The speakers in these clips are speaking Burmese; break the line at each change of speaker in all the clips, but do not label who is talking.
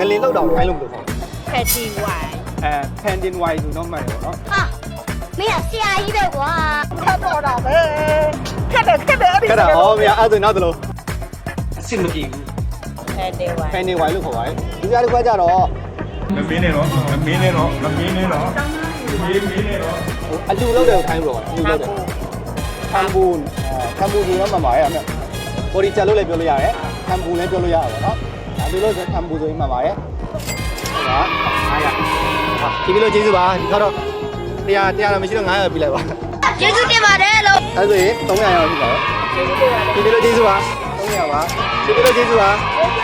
ငလင်လောက်တောင်ထိုင်းလို့ဘယ်လိုခေါ်လဲ
Patty wine
Pending wine ဆိုတော့မှန်တယ်ပေါ့နော်
ဟာမင်းကဆရာကြီးပဲကွာ
ခတ်တော့တာပဲခတ်တယ်အဲ့ဒီ
ခက်တာဟောမရအဲ့ဒါနောက်သလုံးအဆင်မပြေဘူး
Patty wine
Pending wine လို့ခေါ်ပါတယ်ဒီကြားတစ်ခွက်ကြတော့
မမင်းနဲ့တော့မင်းနဲ့တော့မင်းနဲ့တော့မင်းနဲ့တော့
အလူလောက်တယ်ကိုထိုင်းလို့ခေါ်တယ်အလူလောက်တယ်ခမ်ဘူဆိုတော့မှန်ပါရဲ့အမေဘော်ဒီချလို့လည်းပြောလို့ရတယ်ခမ်ဘူလည်းပြောလို့ရတယ်ပေါ့နော်အလူလောက်ဆိုခမ်ဘူဆိုရင်မှန်ပါရဲ့ဟုတ်ပါ900ဟာဒီလိုကျေးဇူးပါဒီတော့100တော့မရှိတော့900ပြလိုက်ပါ
ကျေးဇူးတင်ပါတယ်လို့
အဲ့ဆိုရင်300ရောက်ပြီပါဒီလိုကျေးဇူးပါ300ပါဒီလိုကျေးဇူးပါ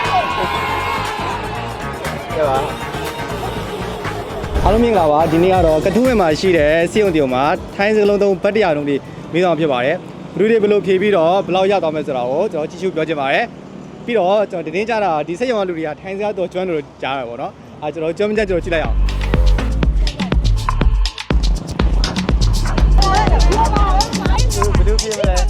ကဲပါအားလုံးမင်္ဂလာပါဒီနေ့ကတော့ကထူးဝဲမှာရှိတဲ့စီယုံတီယုံမှာထိုင်းစကလုံးသုံးဗတ်တရားလုံးတွေမိဆောင်ဖြစ်ပါတယ်ဘလူးတွေဘလို့ဖြေပြီးတော့ဘလောက်ရသွားမယ်ဆိုတာကိုကျွန်တော်ကြည့်ရှုပြောချင်ပါတယ်ပြီးတော့ကျွန်တော်တင်းကြတာဒီစက်ရုံကလူတွေကထိုင်းစကားတော့ကျွမ်းလို့ကြားရပါတော့အဲကျွန်တော်ကျွမ်းမကြကျွန်တော်ကြည့်လိုက်အောင်ဘလူးပြေးမလဲ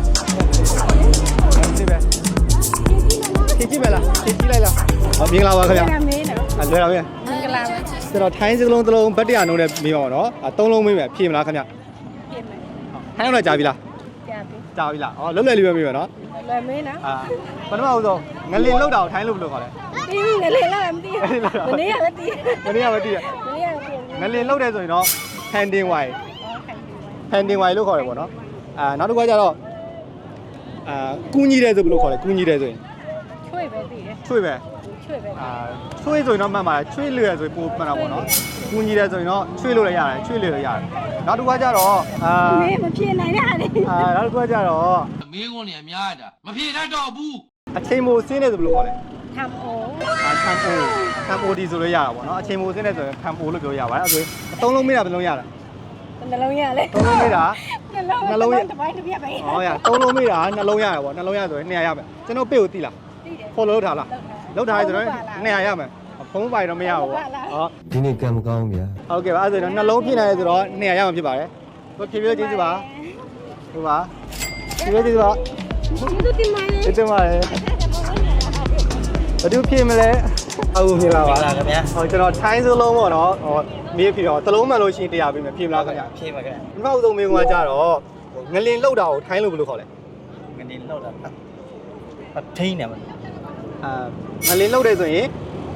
ဒီပဲကြည့်မလားကြည့်လိုက်လားမင်္ဂလာပါခင်ဗျာလွယ်တော့ဗျာမင်္ဂလာပါကျွန်တော်ထိုင်းစကလုံးတစ်လုံးဗတ်တရားလုံးနဲ့မေးပါတော့3လုံးမေးမယ်ဖြေမလားခင်ဗျာဖြေမယ်ထိုင်းတော့ကြာပြီလားကြာပြီလားဩလွတ်လပ်လေးပဲမေးပါနော်
လွယ်မင်းနော်
ပထမဦးဆုံးငလင်လောက်တာကိုထိုင်းလို့ဘယ်လိုခေါ်လဲ
တီးငလေလာမသိဘူးမနေ့ကလည်းတီး
မနေ့ကပဲတည်ရ
မနေ့ကလည်းတီး
ငလင်လောက်တယ်ဆိုရင်တော့ pending wine pending wine လို့ခေါ်တယ်ပေါ့နော်နောက်တစ်ခါကျတော့ကူးကြီးတယ်ဆိုဘယ်လိုခေါ်လဲကူးကြီးတယ်ဆိုရင်
ချွေပဲတီးတယ်
ချွေပဲ
ချွေပဲ
ချွေဆိုရင်တော့မှန်ပါတယ်ချွေလွယ်ဆိုရင်ပိုမှန်တာပေါ့နော်ကူးကြီးတယ်ဆိုရင်တော့ချွေလို့လည်းရတယ်ချွေလို့လည်းရတယ်နောက်တစ်ခါကျတော့
မင်းမပြေနိုင်ရလေ
နောက်တစ်ခါကျတော့
မေးခွန်းနေအများတာမဖြေတတ်တော့ဘူး
အချိန်မိုဆင်းတယ်ဆိုဘယ်လိုခေါ်လဲ
ထမ်အို
ထမ်ပိုဒီဆိုလို့ရတာပေါ့နော်အချိန်မိုဆင်းတယ်ဆိုရင်ထမ်ပိုလို့ပြောရပါတယ်အဲ့ဒါဆိုအသုံးလုံးမေးတာဘယ်လုံးရတာ
နှလုံးရလေ
သုံးလုံးမေးတာ
နှလုံးတစ်ပိုင်းတစ်ပြက်ပဲ
ဟောရသုံးလုံးမေးတာနှလုံးရတယ်ပေါ့နှလုံးရဆိုရင်200ရမယ်ကျွန်တော်ပေကိုသိလား
တီးတယ်
follow လုပ်ထားလားလုပ်ထားရဆိုတော့200ရမယ်ဖုံးပိုင်တော့မရဘူးပေါ့ဟော
ဒီနေ့ကံမကောင်းဗျာ
ဟုတ်ကဲ့ပါအဲ့ဒါဆိုတော့နှလုံးပြည့်နေတယ်ဆိုတော့200ရမှာဖြစ်ပါတယ်ဘယ်ဖြည်းဖြည်းကျေးဇူးပါဟုတ်ပါဖြည်းဖြည်းကျေးဇူးပါ
ကျေးဇူးတင်ပါတယ်
ကျေးဇူးပါတယ်ဘယ်သူဖြည့်မလဲဟုတ်ပြီလားပါခင်ဗျာဟောကျွန်တော်ထိုင်းစလုံးပေါ့နော်ဟောမေးပြီးတော့တလုံးမှန်လို့ရှိရင်100ပေးမယ်ဖြည့်မလားခင်ဗျာဖြည့်ပါခင်ဗျာဒီနောက်ဆုံးမေးခွန်းကကြတော့ငလင်လောက်တာကိုထိုင်းလို့ဘယ်လိုခေါ်လဲ
ငနေလောက်တာအထိန်းနေမှာ
ငလင်းလောက်တယ်ဆိုရင်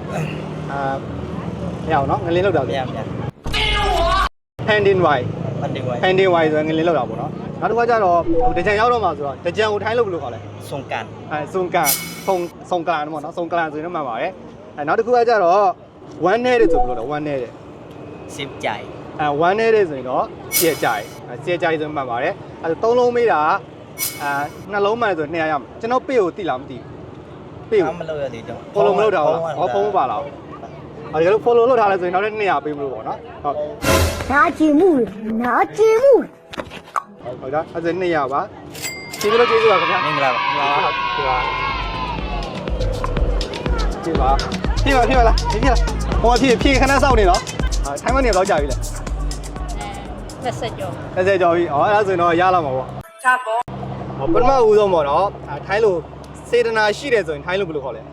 မရအောင်နော်ငလင်းလောက်တာဆို
ဗျာ
Pending wine
အန်ဒီဝိုင်
Pending wine ဆိုရင်ငလင်းလောက်တာပေါ့နော်နောက်တစ်ခါကျတော့တကြံရောက်တော့မှာဆိုတော့တကြံကိုထိုင်းလို့ဘယ်လိုခေါ်လဲ
စုံကန်
စုံကန်စုံကန်ပေါ့နော်စုံကန်ဆိုရင်တော့မှန်ပါတယ်နောက်တစ်ခုကကျတော့ one နဲ့တဲ့ဆိုဘယ်လိုလဲ one နဲ့တဲ့
စစ်ကြိုင်
one နဲ့တဲ့ဆိုရင်တော့စီရကြိုင်စီရကြိုင်ဆိုမှန်ပါတယ်အဲသုံးလုံးမေးတာနှလုံးမှန်ဆို200ရမယ်ကျွန်တော်ပေကိုတိလားမသိဘူးပေကို
မလုပ်ရသေးတော့
follow မလုပ်တာဟုတ်လားဖုန်းမပါလားအဲ့ဒါ follow လုပ်ထားလဲဆိုရင်နောက်ထပ်200ပေးမလို့ပေါ့နော်ဟုတ်
နာကျင်မှုနာကျင်မှု
ဟုတ်ဒါအဲ့ဒါ200ပါကျေးဇူးကျေးဇူးပါခင်ဗျာ
မင်္ဂလာပါ
ဟုတ်ပါကျေးဇူးပါဖြည့်ပါလားဖြည့်လားဟောဖြည့်ခဏစောင့်နေတော့ထိုင်းမနေတော့ကြာပြီလေ
20ကျော်
20ကျော်ပြီဟောအဲ့ဒါဆိုရင်တော့ရလာမှာပေါ့ချပေါ့ပထမဦးဆုံးပေါ့နော်ထိုင်းလိုစေတနာရှိတယ်ဆိုရင်ထိုင်းလိုဘယ်လိုခေါ်လဲ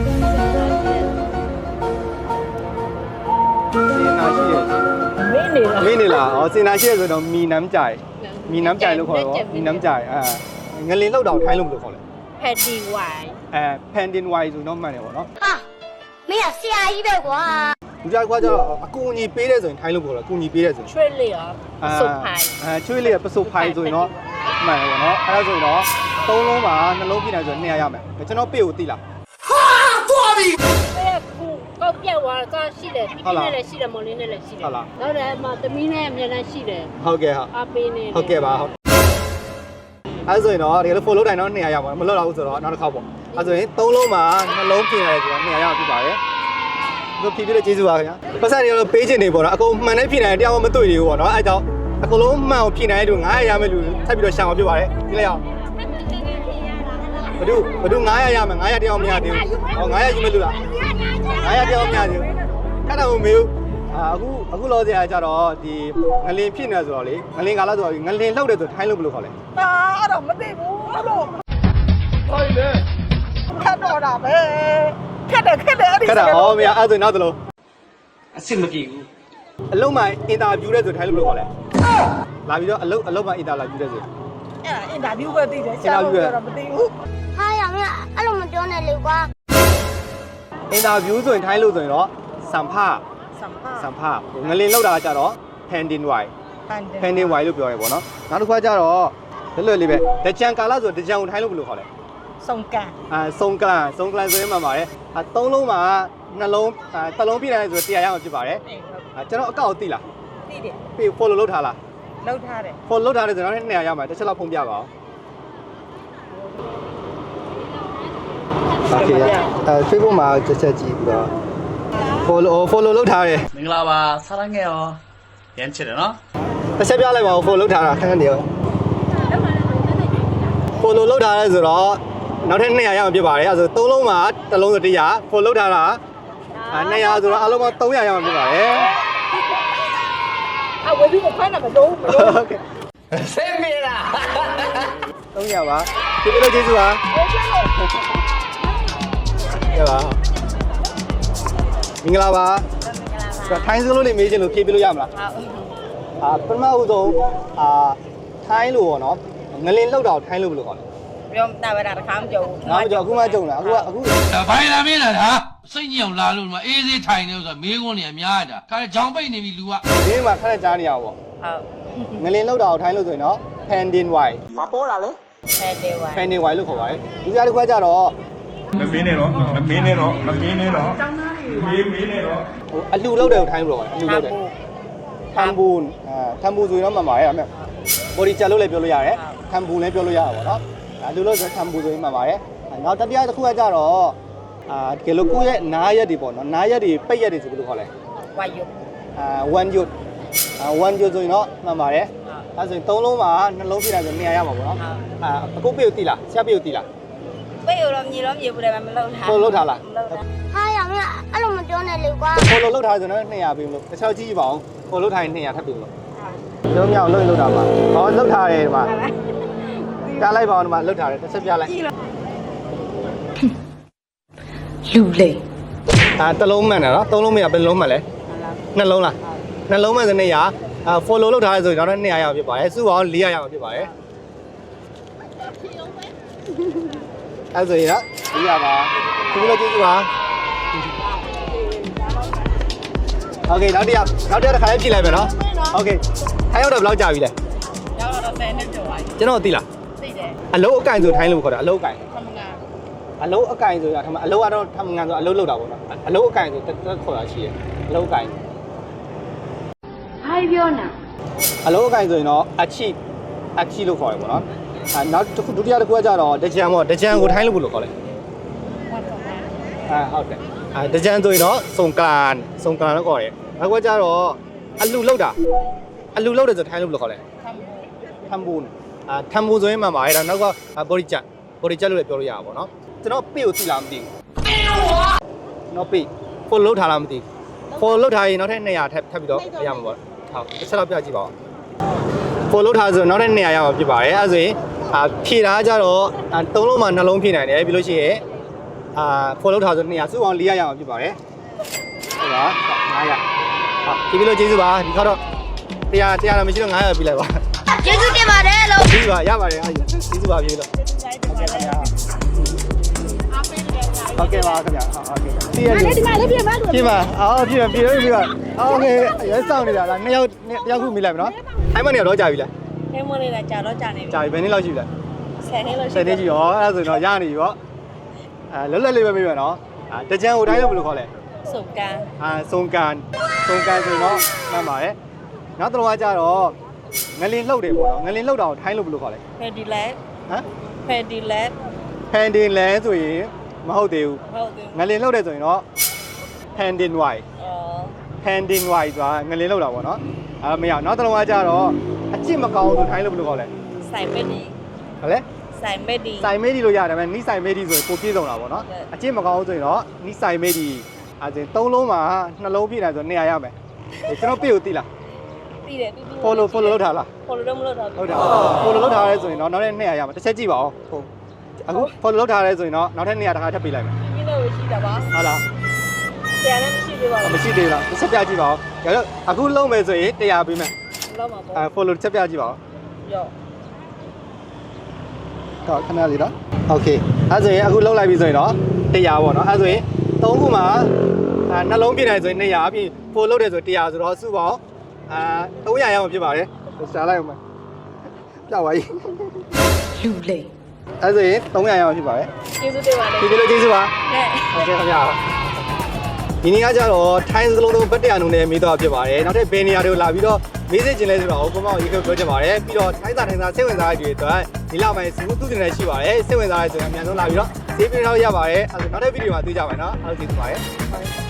စေတနာရှိတယ်
မင်းနေလား
မင်းနေလားဩစေတနာရှိတယ်ဆိုတော့မီနမ်းကြိုင်မီနမ်းကြိုင်လို့ခေါ်တော့မီနမ်းကြိုင်ငလင်လောက်တောင်ထိုင်းလိုဘယ်လိုခေါ်လဲ
Patty wine
Pending wine ဆိုတော့မှန်တယ်ပေါ့နော်
ဟာမင်းကဆရာကြီးပဲကွာ
ဒီကြားကွာကျတော့အကူအညီပေးတယ်ဆိုရင်ထိုင်းလို့ပြောတော့အကူအညီပေးတယ်ဆိုရင်
ချွေလေးရောစုပ်ဖိုင်
ချွေးလေးကပစုပ်ဖိုင်ဆိုရင်တော့မှန်တယ်ပေါ့နော်အဲ့ဒါဆိုရင်တော့သုံးလုံးပါနှလုံးပြည့်နိုင်ဆို200ရမယ်ကျွန်တော်ပေကိုသိလား
အဲ့ကူကောက်ပြက်သွားတာရှိတယ်ပြင်းနဲ့လည်းရှိတယ်မော်လင်းနဲ့လည်းရှိတယ်နောက်လည်းအမသမီးနဲ့အများနဲ့ရှိတယ်
ဟုတ်ကဲ့ဟုတ်
အပေးနေတယ်
ဟုတ်ကဲ့ပါဟုတ်အဲ့ဆိုရင်တော့ဒီလို follow တိုင်းတော့200ရပါမလွတ်တော့ဘူးဆိုတော့နောက်တစ်ခေါက်ပေါ့အဲ့ဆိုရင်သုံးလုံးပါနှလုံးပြည့်နိုင်ဆိုတော့200ရပြပါတယ်တို့ဖြည်းဖြည်းလေးကျေးဇူးပါခင်ဗျာပတ်စံတွေတော့ပေးချင်နေပေါ့နော်အကုန်မှန်တဲ့ဖြည့်နိုင်တရားမတွေ့သေးဘူးပေါ့နော်အဲ့ကြောင့်အကုန်လုံးမှန်အောင်ဖြည့်နိုင်တဲ့လူ900ရမယ်လူထပ်ပြီးတော့ရှာမှာဖြစ်ပါတယ်ဒီလိုက်အောင်ဘယ်သူ900ရမယ်900တရားမရသေးဘူးဟော900ယူမယ်လူလား900တရားမရသေးဘူးခက်တော့မမေးဘူးအခုလောစရာကြတော့ဒီငလင်ဖြစ်နေဆိုတော့လေငလင်ကာလဆိုတော့ငလင်လှုပ်တယ်ဆိုထိုင်းလို့ဘယ်လိုခေါ်လဲ
အဲ့တော့မသိဘူးလို့
ဟုတ်လေ
ခတ်တော့တာပဲခက်တယ်အဲ့ဒီ
ခက်တာဟောမရအဲ့ဆိုနောက်သလို
အစ်မပြေဘူး
အလုံးမှအင်တာဗျူးတဲ့ဆိုထိုင်းလို့ပြောလဲလာပြီးတော့အလုံးမှအင်တာလာဗျူးတဲ့ဆို
အဲ့ဒါအင်တာဗျူးပဲသိတယ်ရှာလို့ပြောတော့မသိဘူး
ဟာရမင်းအဲ့လိုမပြောနဲ့လေကွာ
အင်တာဗျူးဆိုရင်ထိုင်းလို့ဆိုရင်တော့စံဖ
စံဖ
ငလင်လောက်တာကကြတော့ pending wide
ဖန်တယ်
pending wide လို့ပြောရဲပေါ့နော်နောက်တစ်ခါကျတော့လွယ်လွယ်လေးပဲတကြံကာလဆိုတကြံကိုထိုင်းလို့ဘယ်လိုခေါ်လဲ
စုံကန်
စုံကလန်ဆိုရင်မှပါတယ်သုံးလုံးမှာနှလုံးတစ်လုံးပြည့်တယ်ဆိုတရားရအောင်ဖြစ်ပါတယ်ကျွန်တော်အကောက်သိလား
သိတယ်
ပြီး follow လုပ်ထားလား
လောက်ထားတယ်
follow လုပ်ထားတယ်ဆိုတော့200ရမှာတစ်ချက်လောက်ဖုံးပြပါအောင်โอเคFacebook မှာချက်ချက်ကြည့်ပြီးတော့ follow လုပ်ထားတယ်
မင်္ဂလာပါစားရငယ်ရောရမ်းချစ်တယ်နော်
တစ်ချက်ပြလိုက်ပါဦး follow လုပ်ထားတာခဏနေရော follow လုပ်ထားရဲဆိုတော့နောက်ထပ်200ရအောင်ဖြစ်ပါတယ်အဲဆို3လုံးမှာတစ်လုံးဆို100 follow လုပ်ထားတာ200ဆိုတော့အလုံးပေါင်း300ရအောင်ဖြစ်ပါတယ်
အဝေးပြီးမဖိုင်းတာမလို့
ဟုတ်ကဲ့ဆင်းပြေလား300ပါဒီလိုကျေးဇူးပါရပါမင်္ဂလာပါထိုင်းစလို့လေးမေးချင်လို့ဖြေပြလို့ရမလားပထမဦးဆုံးထိုင်းလို့ပေါ့နော်ငလင်လောက်တာကိုထိုင်းလို့ဘယ်လိုခေါ်လဲ
ပြောတာပဲတခါမကြုံဘူး
ငါမကြောက်အခုမှကြုံတာအခု
ဒါဘိုင်လာမင်းလားဒါစိတ်ညစ်အောင်လာလို့ဒီမှာအေးစေးထိုင်နေလို့ဆိုတာမေးခွန်းနေအများကြီးဒါခါကြောင်ပိတ်နေပြီလူက
ဒီမှာခက်ကြားနေရပါဘော
ဟုတ်
ငလင်လောက်တာကိုထိုင်းလို့ဆိုရင်တော့ pending wide
ဖဲတယ်ဝိုင်း
pending wide လို့ခေါ်ပါတယ်ဒီကြားတစ်ခွက်ကြတော့
မမင်းနဲ့တော့မမင်းနဲ့တော့မမင်းနဲ့တော့မင်းနဲ့တော့
ဟိုအလှလောက်တယ်ကိုထိုင်းလို့ခေါ်တယ်အလှလောက်တယ်ထမ်ဘူထမ်ဘူဆိုရင်တော့မှန်ပါတယ်အဲ့မဲ့ body chat လို့လည်းပြောလို့ရတယ်ထမ်ဘူလည်းပြောလို့ရတာပေါ့နော်အလှလို့ဆိုထမ်ဘူဆိုရင်မှန်ပါတယ်နောက်တတိယတစ်ခုကကြတော့တကယ်လို့ကိုယ့်ရဲ့နားရက်တွေပေါ့နော်နားရက်တွေပိတ်ရက်တွေဆိုဘယ်လိုခေါ်လဲ
ဝါယု
one yut one yut ဆိုရင်တော့မှန်ပါတယ်အဲဆိုရင်3လုံးမှာနှလုံးပြတာဆို200ရပါပေါ့နော်အခုပြေကိုတီးလားဆရာပြေကိုတီးလား
ပေးရတော့မြေဘူးတယ်မလောက်ထား
follow လုပ်ထားလား
ဟာရမင်းအဲ့လိုမပြောနဲ့လေကွာ
follow လုပ်ထားဆိုတော့200ပေးမလို့တစ်ချောက်ကြည့်ပါအောင် follow လုပ်ထားရင်200ထပ်ပေးမလို့ပြောမြောက်လုပ်ရင်လုပ်တာပါဟောလုပ်ထားတယ်ဒီမှာတားလိုက်ပါအောင်ဒီမှာလုပ်ထားတယ်တစ်ချက်ပြလိုက်
လူလေ
တစ်လုံးမှန်တယ်နော်3လုံးမရဘယ်လုံးမှန်လဲနှလုံးလားနှလုံးမှန်ဆို200follow လုပ်ထားတယ်ဆိုရင်တော့200ရအောင်ဖြစ်ပါတယ်စုအောင်400ရအောင်ဖြစ်ပါတယ်အဲဆိုရင်400ပါဒီလိုကြည့်ကြပါโอเคနောက်တစ်ခါလေးဖြည့်လိုက်မယ်နော်โอเคထိုင်းရောက်တော့ဘယ်လောက်ကြာပြီလဲ
ရောက်တော့10နှစ်ကျော်ပါ
ကျွန်တော်သိလား
သိတယ်
အလုံးအကင်ဆိုထိုင်းလို့ခေါ်တာအလုံးအကင်
ခမငါ
အလုံးအကင်ဆိုတာအလုံးကတော့ထမငန်ဆိုအလုံးလောက်တာပေါ့နော်အလုံးအကင်ဆိုတက်ခေါ်တာရှိတယ်အလုံးအကင်
ဘာပြောနာ
အလုံးအကင်ဆိုရင်တော့အချီလို့ခေါ်တယ်ပေါ့နော်နောက်ဒုတိယတစ်ခုကကြတော့တကြံပေါ့တကြံကိုထိုင်းလို့ဘယ်လိုခေါ်လဲ ဟုတ်တယ်တကြံဆိုရင်တော့စုံကန်လို့ခေါ်တယ်နောက်ကကြတော့အလူလောက်တယ်ဆိုထိုင်းလို့ဘယ်လိုခေါ်လဲထမ်ဘူထမ်ဘူဆိုရင်မှပါတယ်ဒါနောက်က body chat လို့လည်းပြောလို့ရတာပေါ့နော်ကျွန်တော်ပေကိုသိလားမသိဘူးနော်ပေ follow လုပ်ထားလားမသိဘူး follow လုပ်ထားရင်နောက်ထပ်200ထပ်ပြီးတော့ရမှာပေါ့ဟုတ်တစ်ချက်တော့ပြကြည့်ပါဦး follow လုပ်ထားဆိုနောက်ထပ်200ရမှာဖြစ်ပါတယ်အဲဆိုရင်ဖြည့်တာကြတော့3လုံးမှာ2လုံးဖြည့်နိုင်တယ်ပြီးလို့ရှိရင်follow ထားဆို200စုအောင်400ရအောင်ဖြစ်ပါတယ်ဟုတ်ပါ900ဟုတ်ဒီလိုကျေးဇူးပါဒီခါတော့100တော့မရှိတော့900ပြလိုက်ပါ
ကျေးဇူးတင်ပါတယ်လို့
ကျေးဇူးပါရပါတယ်အားကျေးဇူးပါပြေလို့ဟုတ်ကဲ့ခင်ဗျာဟုတ်ကဲ့ပါခင်ဗျာဟုတ်ကဲ့ပြည့်ရတယ်ဒီမှာလည်းပြည့်ပါလို့ပြည့်ပါပြည့်ပါโอเคရဲစောင့်နေတာလား2ယောက်တယောက်ခုမိလိုက်မယ်နော်အဲ့မနေတော့ကြာပြီလား
ဟဲမလေးကကြာတော့ကြာနေပြီ
ကြာပြီဘယ်နည်းလောက်ရှိပြီလဲ
10နှစ်လို့ရှိ
10နှစ်ရှိရောအဲ့ဒါဆိုတော့ရနေပြီပေါ့လွတ်လပ်လေးပဲပြေးမယ်နော်တကြံကိုတိုင်းလို့ဘယ်လိုခေါ်လဲ
စုံကန်
စုံကန်ဆိုရင်တော့မှန်ပါတယ်နောက်တစ်လုံးကကြတော့ငလင်လှုပ်တယ်ပေါ့နော်ငလင်လှုပ်တာကိုထိုင်းလို့ဘယ်လိုခေါ်လဲ
ဖက်ဒီလက်
ဟမ်
ဖက်ဒီလက်
pending land ဆိုရင်မဟုတ်သေးဘူး
ဟုတ်တယ်
ငလင်လှုပ်တယ်ဆိုရင်တော့ pending wide
အော်
pending wide ဆိုတာငလင်လှုပ်တာပေါ့နော်မရနောက်တစ်လုံးကကြတော့အချစ်မကောင်းဆိုထိုင်းလို့ဘယ်လိုခေါ်လဲ
ဆိုင်မက်ဒီ
ဟုတ်လဲ
ဆိုင်မက်ဒီ
စိုင်မေးဒီလို့ရတယ်ဒါပေမဲ့နီးစိုင်မေးဒီဆိုရင်ပိုပြည့်စုံတာပေါ့နော်အချစ်မကောင်းဆိုရင်တော့နီးစိုင်မေးဒီအဲဆိုရင်3လုံးမှာ2လုံးပြည့်တယ်ဆို200ရမယ်ကျွန်တော်ပြည့်ကိုသိလား
သိတယ်
follow လုပ်ထားလား
follow တော့မလုပ်တော့
ဟုတ်တယ် follow လုပ်ထားရဲဆိုရင်တော့နောက်ထပ်200ရမယ်တစ်ချက်ကြည့်ပါဦးဟုတ်အခု follow လုပ်ထားရဲဆိုရင်တော့နောက်ထပ်200တစ်ခါထပ်ပေးလိုက်မယ်
ဒီလိုရှိရှိတာပါ
ဟုတ်လား
ဆရာလည်းမရှိသေးပါဘူး
မရှိသေးလားတစ်ချက်ပြကြည့်ပါဦးဒါတော့အခုလုံးမယ်ဆိုရင်100ပေးမယ်
လောက်မှာပေါ့
follow တစ်ချက်ပြကြည့်ပါဦး
ရော့
တော့ခဏလေးနော်โอเคအဲ့ဆိုရင်အခုလုံးလိုက်ပြီဆိုရင်တော့100ပေါ့နော်အဲ့ဆိုရင်3ခုမှာနှလုံးပြည့်နိုင်ဆိုရင်200အပြင် follow တယ်ဆို100ဆိုတော့စုပေါင်း300ရအောင်ဖြစ်ပါတယ်ရှားလိုက်အောင်မယ်ပြပါကြီးလူလေအဲ့ဆိုရင်300ရအောင်ဖြစ်ပါတယ်
ကျေးဇူးတင်ပါတယ်
ဒီလိုကျေးဇူးပါ
နဲ့
ဟုတ်ကဲ့ခင်ဗျာဒီနေ့ကကြတော့ထိုင်းစကလုံးလုံးဗတ်တရားနုံနဲ့မေးတော့ဖြစ်ပါတယ်နောက်ထပ်ဘယ်နေရာတွေကိုလာပြီးတော့မေးစေချင်လဲဆိုတော့ကိုမောင်ရေခပြောချင်ပါတယ်ပြီးတော့ထိုင်းစာစိတ်ဝင်စားတွေအတွက်ဒီလောက်ပိုင်းစီမှုသူတင်နေရှိပါတယ်စိတ်ဝင်စားရဲဆိုရင်အများဆုံးလာပြီးတော့ဈေးပြတော့ရပါတယ်အဲ့ဒါနောက်တဲ့ဗီဒီယိုမှာတွေ့ကြပါမယ်နော်အားလုံးကျေးဇူးပါတယ်